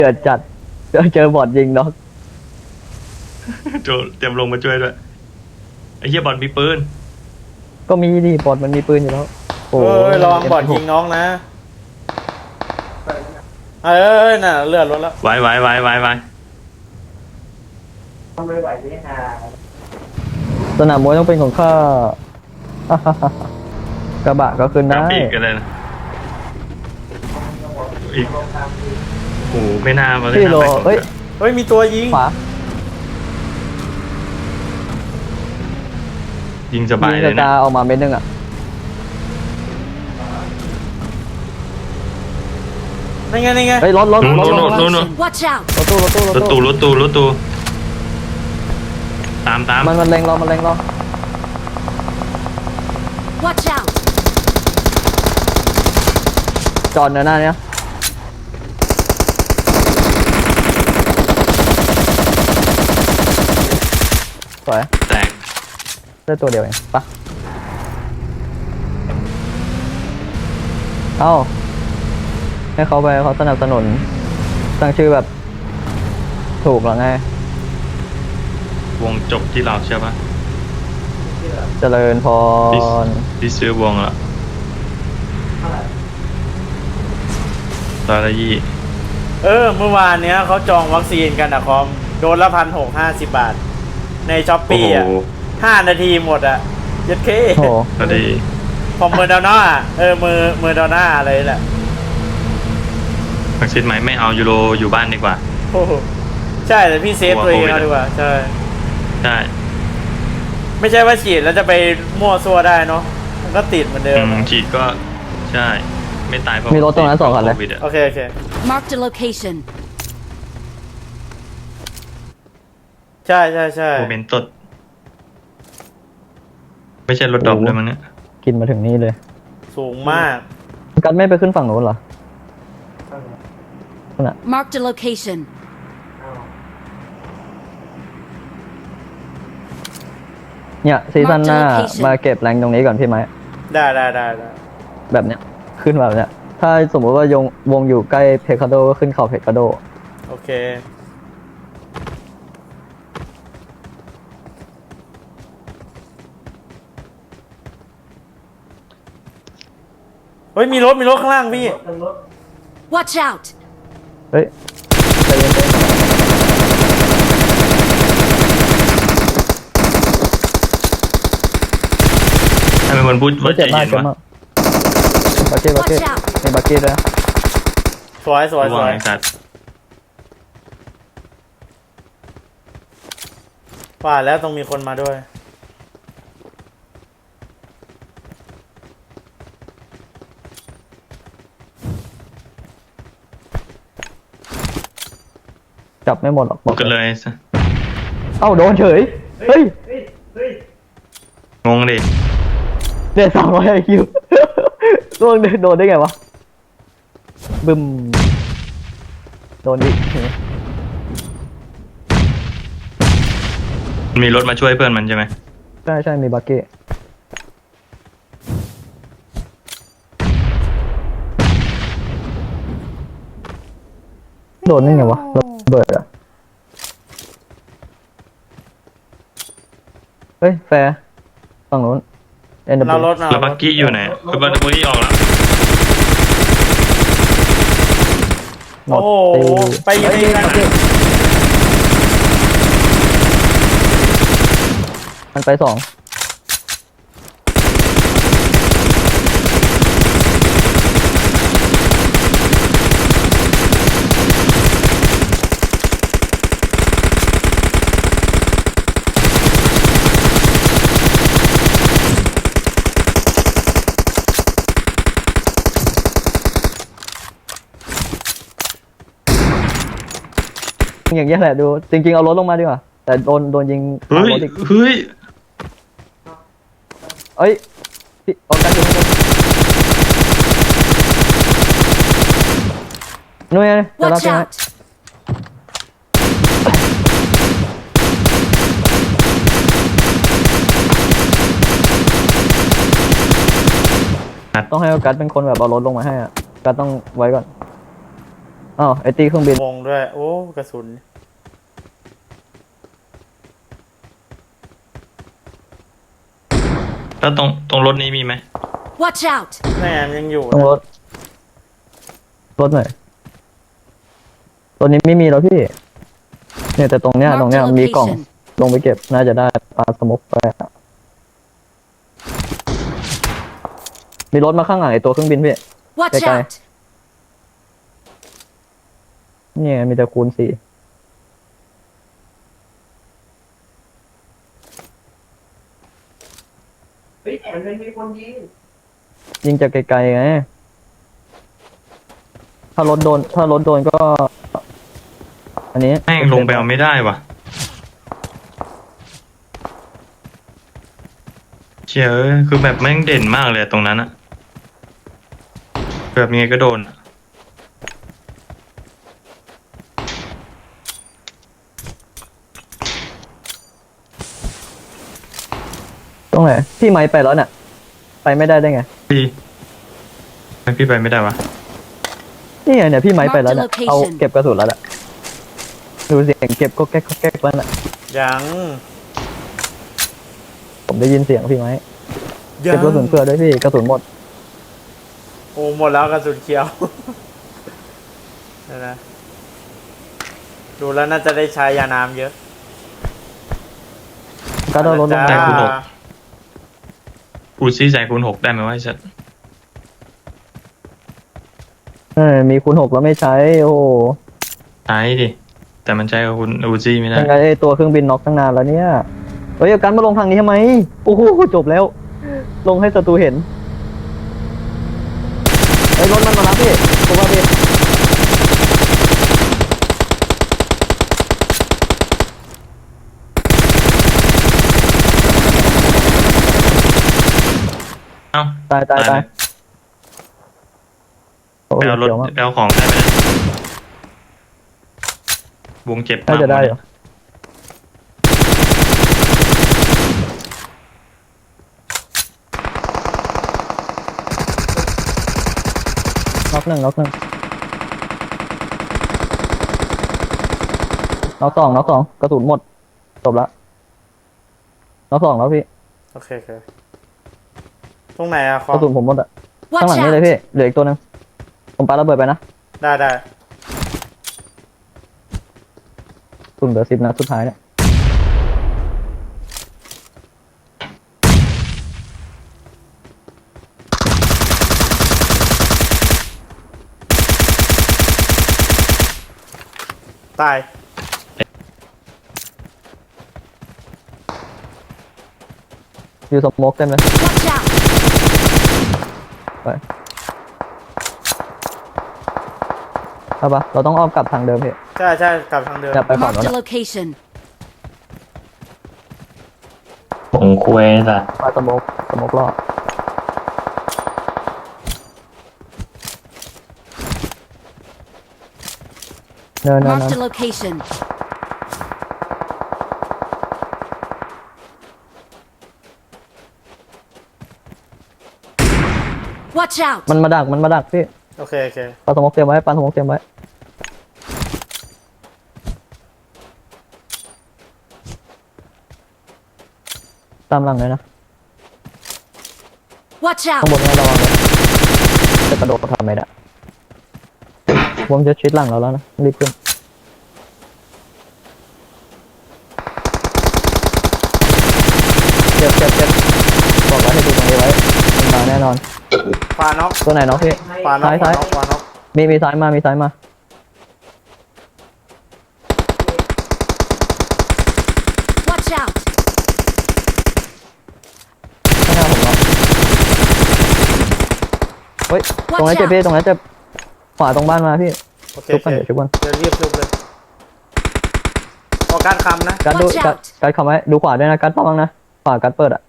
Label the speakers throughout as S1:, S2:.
S1: เกิดจัดเจอบอทยิงเนาะ
S2: โจเตรียมลงมาช่วยด้วยไอ้เหี้ยบอลมีปืน
S1: ก็มีดิบอทมันมีปืนอยู่แล้วโอ้
S3: เอ้ยระวังบอดยิงน้องนะเอ้ยน่ะเลือดลดแล้ว
S2: ไว้
S1: สนามมวยต้องเป็นของข้า กระบะก็ขึ้นได้
S2: น้ำปีกกันเลยนะอีกโอ้โหไม่น่ามาเลย
S1: พี่โล
S2: นะไป
S1: เฮ้ย
S3: เฮ้ยมีตัวยิง
S1: ขวา
S2: ยิงสบาย
S1: ยิง
S2: เล
S1: กระ
S2: ยนะ
S1: จาออกมาเม็ดนึงอ่ะ
S3: นี่ไงนี่ไง
S1: เฮ้ยรถ
S2: นู่น
S4: Watch out!
S1: รถตู้
S2: ตาม
S1: มันเล็งเรา
S4: Watch out!
S1: จอดหน้าเนี้ยสวย
S2: แตก
S1: ได้ตัวเดียวเองปะเอ้าให้เขาไปเขาสนับสนุนตั้งชื่อแบบถูกหรอไง
S2: วงจบที่เราใช่ปะ
S1: เจริญพร
S2: ที่ซื้อวงละตอนละยี่
S3: เมื่อวานเนี้ยเขาจองวัคซีนกันอะคอมโดนละ1,650 บาท ในช้อป
S2: โอ้
S3: ปี้
S2: โห
S3: อ่ะ5 นาทีหมดอ่ะยัดเค
S1: โอ้โห
S2: พอดี
S3: พอเมอร์ดอน่าเมอร์ดอน่าอะไรแหละ
S2: วัคซีนใหม่ไม่เอายูโรอยู่บ้านดีกว่า
S3: โอ้โหใช่แต่พี่เซฟตัวเองเอาดีกว่าใช่
S2: ใช่
S3: ไม่ใช่ว่าฉีดแล้วจะไปมั่วซั่วได้เนาะมันก็ติดเหมือนเดิม
S2: ฉีดก็ใช่ ไม่ตายเพราะ
S1: มีรถตรงนั้น2 คันเลย
S2: โควิดอะ
S3: โอเค
S4: Marked a location.
S3: ใช่
S2: โมเมนต์ตดไม่ใช่รถดรอปเลยมั้งเนี่ย
S1: กินมาถึงนี่เลย
S3: สูงมาก
S1: กันไม่ไปขึ้นฝั่งโน้นเหรอนั่นน่ะ
S4: Marked a location.
S1: เนี่ยซีซั่นหน้า
S4: Mark the location
S1: มาเก็บแรงตรงนี้ก่อนพี่ไหม
S3: ได้
S1: แบบเนี้ยขึ้นแบบเนี้ยถ้าสมมติว่าวงอยู่ใกล้เพคาโดก็ขึ้นเขาเพคาโด
S3: โอเคเฮ้ยมีรถข้างล่างพี่
S4: Watch out!
S1: เฮ้ยใจเย็นๆ
S2: ถ้าเป็นคนพูดว่าใจ
S1: เจ็บมาก
S2: เย็น
S1: เจ็บ
S2: วะ
S1: มากบักเก็ต
S4: Watch out
S1: มีบักเก็ตด้วยนะ
S3: สวย
S2: ระวังไอ้สัตว์
S3: ว่าแล้วต้องมีคนมาด้วย
S1: จับไม่หมดหรอก
S2: บอกกันเลยซะ
S1: เอ้าโดนเฉยเฮ้ย
S2: งงดิ
S1: เดือด200 IQ ล่วงโดนได้ไงวะบึมโดนอีก
S2: มีรถมาช่วยเพื่อนมันใช่ไหม
S1: ใช่มีบักเก็ตโดนได้ไงวะระเบิดอะเฮ้ยแฟร์ฝั่งนู้น NW
S3: เรารถ
S2: แล้วบักกี้อยู่ไหนคือบักกี้ออกแล้ว
S1: หม
S3: โอ้
S1: ด
S3: โห
S1: ตี
S3: ไปยิงเองนะ
S1: มันไป2อย่างเงี้ยแหละดูจริงๆเอารถลงมาดีกว่าแต่โดนยิง
S2: เฮ้ย
S1: รถอีก
S2: เฮ้ย
S1: เอ้ยพี่ออกกันอยู่นู่นไงจะรับ
S4: Watch
S1: ใช่ไหม
S4: out! ต้องให้กัสเป็นคนแบบเอารถลงมาให้อ่ะกัสต้องไว้ก่อน
S1: อ้าวไอตีเครื่องบิน
S3: วงด้วย โอ้กระสุน
S2: แล้วตรงรถนี้มีไหม
S4: Watch out!
S3: แม่มันยังอยู่
S1: ต้องรถหน่อยตัวนี้ไม่มีแล้วพี่ เนี่ยแต่ตรงเนี้ย
S4: Mark
S1: ตรงเนี้ย
S4: the
S1: มีกล่อง
S4: location
S1: ลงไปเก็บน่าจะได้ปลาสมกไปอะมีรถมาข้างหลังไอตัวเครื่องบินพี่
S4: Watch
S1: Okay.
S4: out!
S1: เนี่ยมีแต่คูณ4ยิงจากไกลๆไงถ้ารถโดนก็ อันนี้
S2: แม่งลงไปเอาไม่ได้วะเชี่ยเอ้ยคือแบบแม่งเด่นมากเลยตรงนั้นอะแบบยังไงก็โดนอะ
S1: ตรงไหนพี่ไม้ไปแล้วเนี่ยไปไม่ได้ได้ไง
S2: พี่ไม่พี่ไปไม่ได้วะ
S1: นี่ไงเนี่ยพี่ไม้ไปแล้วเนี่ย
S4: Mark the
S1: เอา
S4: location
S1: เก็บกระสุนแล้วแหละดูเสียงเก็บก็แก๊กแล้วน่ะ
S3: ยัง
S1: ผมได้ยินเสียงพี่ไม้
S3: ยั
S1: เก็บกระสุนเพื่อด้วยพี่กระสุนหมด
S3: โอ้หมดแล้วกระสุนเขียว เดี๋ยวนะดูแล้วน่าจะได้ใช้ยาน้ำเยอะ
S1: ก็ต้องลดลง
S3: จ้า
S1: มา
S2: กูซี่ใส่คูณ 6ได้ไหมวะไอ้สัส
S1: มีคูณ6แล้วไม่ใช้โอ้โห
S2: ใช้ดิแต่มันใช้กับคุณอูซี่ไม่ได้
S1: ยังไงไอ้ตัวเครื่องบินน็อกตั้งนานแล้วเนี่ยเฮ้ยเอากันมาลงทางนี้ทำไมโอ้โหจบแล้ว ลงให้ศัตรูเห็นไอ้ยรถมันมารับพี่ผมว่าพี่
S2: เอ้า
S1: ตาย
S2: เลย
S1: โอ้
S2: ไป
S1: ย
S2: เอารถ
S1: เดี๋ยวมา
S2: ไปเอาของได้ไหมเนี่ยวงเจ็บมา
S1: น่าก จะได้เหรอน็อกหนึ่งน็อกสองกระสุนหมดจบละน็อกสองแล้วพี่
S3: โอเคตรงไหนอะคอก ม
S1: ระสุนผมหมดอะข้าง
S4: Watch
S1: หลังนี่เลย
S4: out!
S1: พี่เหลืออีกตัวหนึงผมปาระเบิดไปนะ
S3: ได้
S1: กระสุนเหลือ10 นัดสุดท้ายเนี่ย
S3: ตาย
S1: อยู่สโมกเต็มเลย
S4: Watch out!
S1: ไปเอาปะเราต้องอ้อมกลับทางเดิมพี่
S3: ใช่กลับทางเดิม
S1: อย่าไปฝั่ง
S4: Mark
S1: นั้น
S4: the
S1: อะ
S4: location.
S2: ผมคุยสัส
S1: มาสโมกรอบเนิน
S4: Mark the location. Watch out!
S1: มันมาดักพี่
S3: โอเค
S1: ปาสโมกเตรียมไว้ปาสโมกเตรียมไว้ตามหลังเลยนะ
S4: Watch
S1: ข้าง
S4: out!
S1: บนเนี่ยระวังเลยจะกระโดดทำไม่ได้ผมจะชิดหลังเราแล้วนะรีบขึ้นเจ็บบอกไว้ให้ดูตรงนี้ไว้มันมาแน่นอน
S3: ปาน็อก
S1: ตัวไหนน้องพี่
S3: ปาน็อก
S1: ซ้าย
S3: ปาน็อก
S1: มีซ้ายมา
S4: Watch out!
S1: ข้างหน้าผมเนาะเฮ้ย ตรงนั้นเจ็บพี่ ตรงนั้นเจ็บขวาตรงบ้านมาพี่
S3: โอเค
S1: ชุบกันเดี๋ยวชุบกัน
S3: เดี๋ยวรีบชุบเลยออกการคำนะ
S1: การดู
S4: Watch out
S1: การคำไว้ดูขวาด้วยนะการต้องนะขวาการเปิดอ่ะ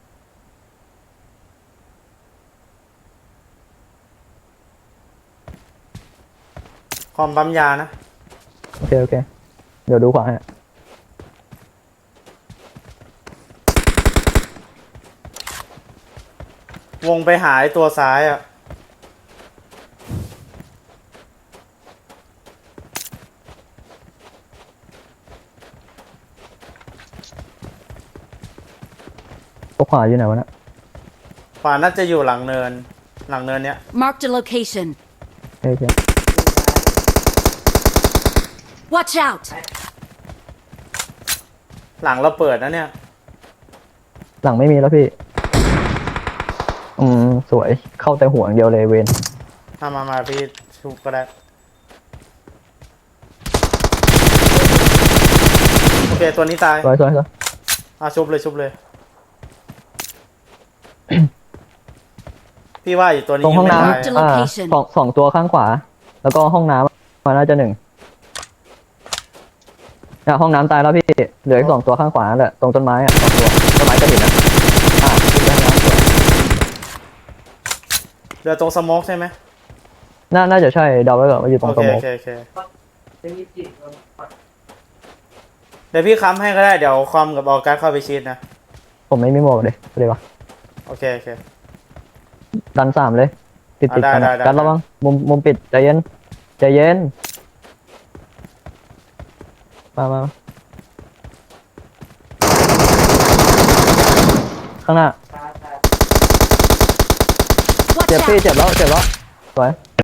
S3: คอมปั๊มยานะ
S1: โอเค เดี๋ยวดูขวาให้
S3: วงไปหาไอ้ตัวซ้ายอะ
S1: ตัวขวาอยู่ไหนวะเนะ
S3: ขวาน่าจะอยู่หลังเนินเนี้ย
S4: Marked a location.
S1: โอเค
S4: Watch out!
S3: หลังเราเปิดนะเนี่ย
S1: หลังไม่มีแล้วพี่ สวยเข้าแต่หัวอย่างเดียวเลยเวน
S3: มาพี่ชุบก็ได้โอเคตัวนี้ตาย
S1: สวย
S3: ชุบเลย พี่ว่าอยู่ตัวนี้
S1: ตรงห้อง
S3: ยัไม่ตาย
S1: น้ำสองตัวข้างขวา แล้วก็ห้องน้ำมาน่าจะ1เนี่ยห้องน้ำตายแล้วพี่เหลืออีก2ตัวข้างขวาแหละตรงต้นไม้2ตัวต้นไม้กระถิ่นนะขึ้นไปห้องน้ำสวย
S3: เรือตรงสโมกใช่ไหม
S1: น่าจะใช่เดาไว้ก่อนว่าอยู่ตรง
S3: โอ
S1: ส
S3: เค
S1: ม
S3: โอ
S1: อง
S3: เคโอเคเดี๋ยวพี่ค้ำให้ก็ได้เดี๋ยวคอมกับออกัสเข้าไปชีดนะ
S1: ผมไม่มีหมวกเลยเลยวะ
S3: โอเค
S1: ดัน3เลยติด
S3: ได้
S1: กัน
S3: ได้
S1: กันระวังมุมปิดใจเย็นมาข้างหน้า
S4: Watch
S1: เจ็บพี่
S4: out!
S1: เจ็บแล้วสวย